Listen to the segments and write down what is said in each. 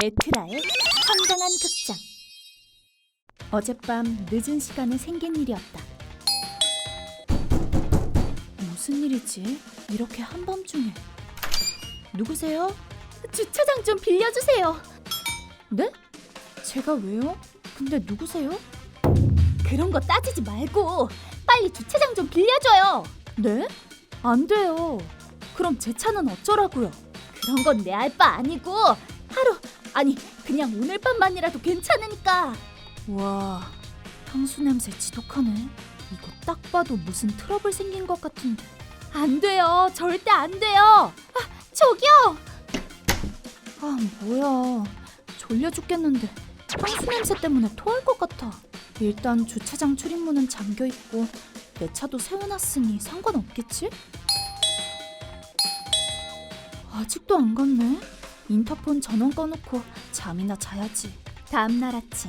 에트라의 황당한 극장. 어젯밤 늦은 시간에 생긴 일이었다. 무슨 일이지? 이렇게 한밤중에. 누구세요? 주차장 좀 빌려주세요. 네? 제가 왜요? 근데 누구세요? 그런 거 따지지 말고 빨리 주차장 좀 빌려줘요. 네? 안 돼요. 그럼 제 차는 어쩌라고요? 그런 건 내 알 바 아니고 아니 그냥 오늘 밤만이라도 괜찮으니까. 와, 향수 냄새 지독하네. 이거 딱 봐도 무슨 트러블 생긴 것 같은데. 안 돼요. 절대 안 돼요. 저기요. 뭐야. 졸려 죽겠는데 향수 냄새 때문에 토할 것 같아. 일단 주차장 출입문은 잠겨있고 내 차도 세워놨으니 상관없겠지? 아직도 안 갔네. 인터폰 전원 꺼놓고 잠이나 자야지. 다음날 아침.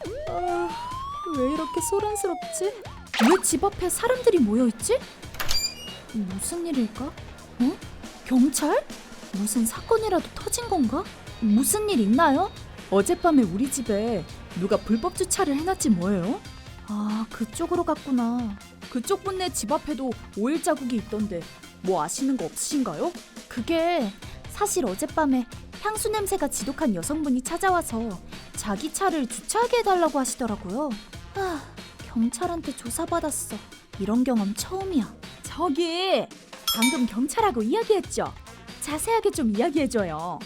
왜 이렇게 소란스럽지? 왜 집 앞에 사람들이 모여있지? 무슨 일일까? 어? 경찰? 무슨 사건이라도 터진 건가? 무슨 일 있나요? 어젯밤에 우리 집에 누가 불법 주차를 해놨지 뭐예요? 그쪽으로 갔구나. 그쪽 분네 집 앞에도 오일 자국이 있던데 뭐 아시는 거 없으신가요? 그게 사실 어젯밤에 향수 냄새가 지독한 여성분이 찾아와서 자기 차를 주차하게 해달라고 하시더라고요. 경찰한테 조사받았어. 이런 경험 처음이야. 저기 방금 경찰하고 이야기했죠? 자세하게 좀 이야기해줘요.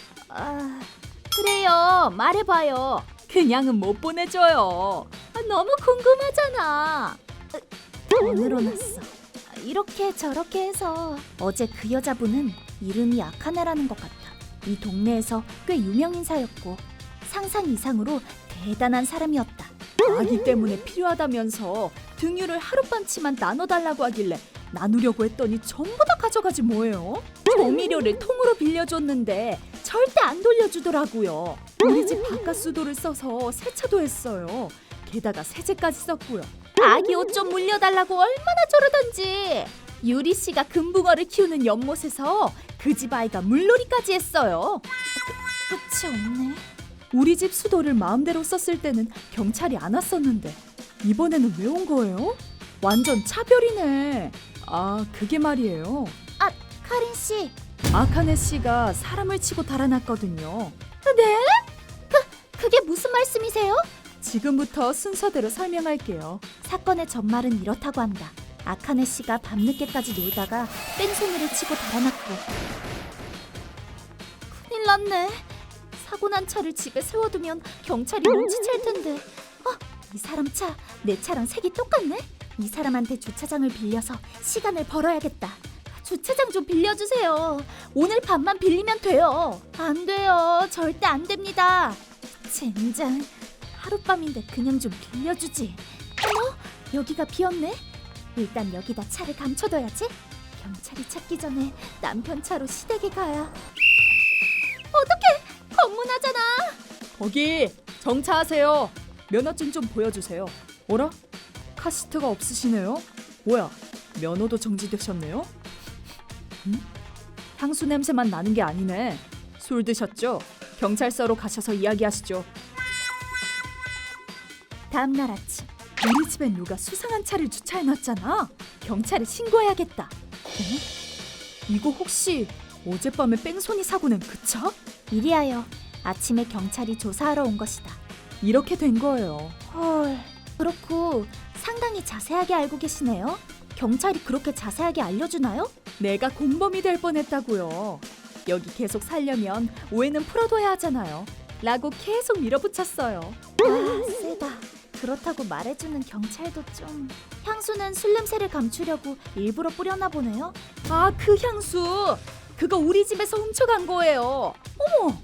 그래요. 말해봐요. 그냥은 못 보내줘요. 너무 궁금하잖아. 더 늘어났어. 이렇게 저렇게 해서 어제 그 여자분은 이름이 아카네라는 것 같아. 이 동네에서 꽤 유명 인사였고 상상 이상으로 대단한 사람이었다. 아기 때문에 필요하다면서 등유를 하룻밤치만 나눠달라고 하길래 나누려고 했더니 전부 다 가져가지 뭐예요? 조미료를 통으로 빌려줬는데 절대 안 돌려주더라고요. 우리 집 바깥수도를 써서 세차도 했어요. 게다가 세제까지 썼고요. 아기 옷 좀 물려달라고 얼마나 저러던지. 유리 씨가 금붕어를 키우는 연못에서 그 집 아이가 물놀이까지 했어요. 끝이 없네. 우리 집 수도를 마음대로 썼을 때는 경찰이 안 왔었는데 이번에는 왜 온 거예요? 완전 차별이네. 그게 말이에요. 카린 씨. 아카네 씨가 사람을 치고 달아났거든요. 네? 그게 무슨 말씀이세요? 지금부터 순서대로 설명할게요. 사건의 전말은 이렇다고 한다. 아카네 씨가 밤늦게까지 놀다가 뺑소니를 치고 달아났고. 큰일 났네. 사고 난 차를 집에 세워두면 경찰이 눈치챌 텐데. 이 사람 차, 내 차랑 색이 똑같네? 이 사람한테 주차장을 빌려서 시간을 벌어야겠다. 주차장 좀 빌려주세요. 오늘 밤만 빌리면 돼요. 안 돼요. 절대 안 됩니다. 젠장. 하룻밤인데 그냥 좀 빌려주지. 어머, 여기가 비었네. 일단 여기다 차를 감춰둬야지. 경찰이 찾기 전에 남편 차로 시댁에 가야. 어떡해, 검문하잖아. 거기 정차하세요. 면허증 좀 보여주세요. 어라? 카시트가 없으시네요. 뭐야, 면허도 정지되셨네요? 향수 냄새만 나는 게 아니네. 술 드셨죠? 경찰서로 가셔서 이야기하시죠. 다음날 아침. 우리 집에 누가 수상한 차를 주차해놨잖아. 경찰에 신고해야겠다. 이거 혹시 어젯밤에 뺑소니 사고 낸 그 차? 이리하여 아침에 경찰이 조사하러 온 것이다. 이렇게 된 거예요. 헐, 그렇고 상당히 자세하게 알고 계시네요. 경찰이 그렇게 자세하게 알려주나요? 내가 공범이 될 뻔했다고요. 여기 계속 살려면 오해는 풀어둬야 하잖아요. 라고 계속 밀어붙였어요. 세다. 그렇다고 말해주는 경찰도 좀. 향수는 술 냄새를 감추려고 일부러 뿌렸나 보네요. 그 향수! 그거 우리 집에서 훔쳐간 거예요. 어머!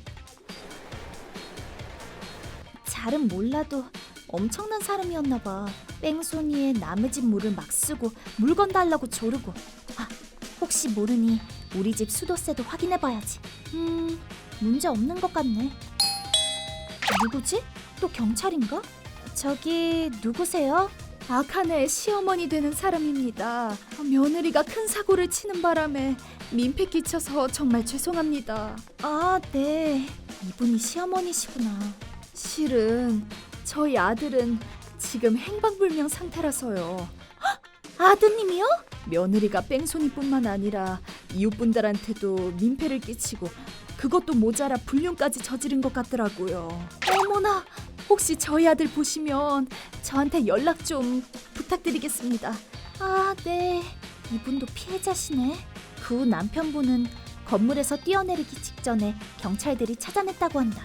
잘은 몰라도 엄청난 사람이었나 봐. 뺑소니에 남의 집 물을 막 쓰고 물건 달라고 조르고. 혹시 모르니 우리 집 수도세도 확인해봐야지. 문제 없는 것 같네. 누구지? 또 경찰인가? 저기 누구세요? 아카네의 시어머니 되는 사람입니다. 며느리가 큰 사고를 치는 바람에 민폐 끼쳐서 정말 죄송합니다. 네. 이분이 시어머니시구나. 실은 저희 아들은 지금 행방불명 상태라서요. 헉! 아드님이요? 며느리가 뺑소니뿐만 아니라 이웃분들한테도 민폐를 끼치고 그것도 모자라 불륜까지 저지른 것 같더라고요. 어머나, 혹시 저희 아들 보시면 저한테 연락 좀 부탁드리겠습니다. 아, 네. 이분도 피해자시네. 그 후 남편분은 건물에서 뛰어내리기 직전에 경찰들이 찾아냈다고 한다.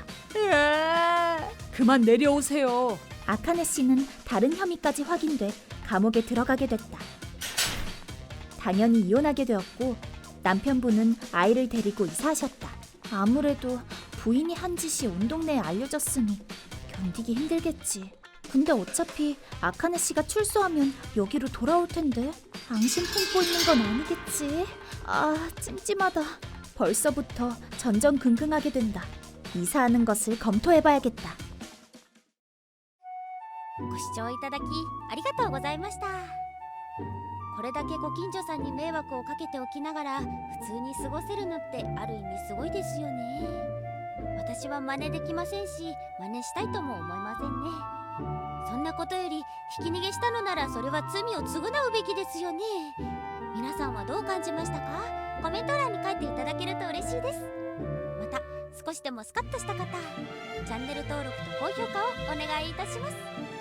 그만 내려오세요. 아카네 씨는 다른 혐의까지 확인돼 감옥에 들어가게 됐다. 당연히 이혼하게 되었고 남편분은 아이를 데리고 이사하셨다. 아무래도 부인이 한 짓이 온 동네에 알려졌으니 견디기 힘들겠지. 근데 어차피 아카네 씨가 출소하면 여기로 돌아올 텐데 앙심 품고 있는 건 아니겠지. 아, 찜찜하다. 벌써부터 전전긍긍하게 된다. 이사하는 것을 검토해봐야겠다. ご視聴いただきありがとうございました。これだけご近所さんに迷惑をかけておきながら普通に過ごせるのってある意味すごいですよね。私は真似できませんし真似したいとも思いませんね。そんなことよりひき逃げしたのならそれは罪を償うべきですよね。皆さんはどう感じましたか？コメント欄に書いていただけると嬉しいです。また少しでもスカッとした方、チャンネル登録と高評価をお願いいたします。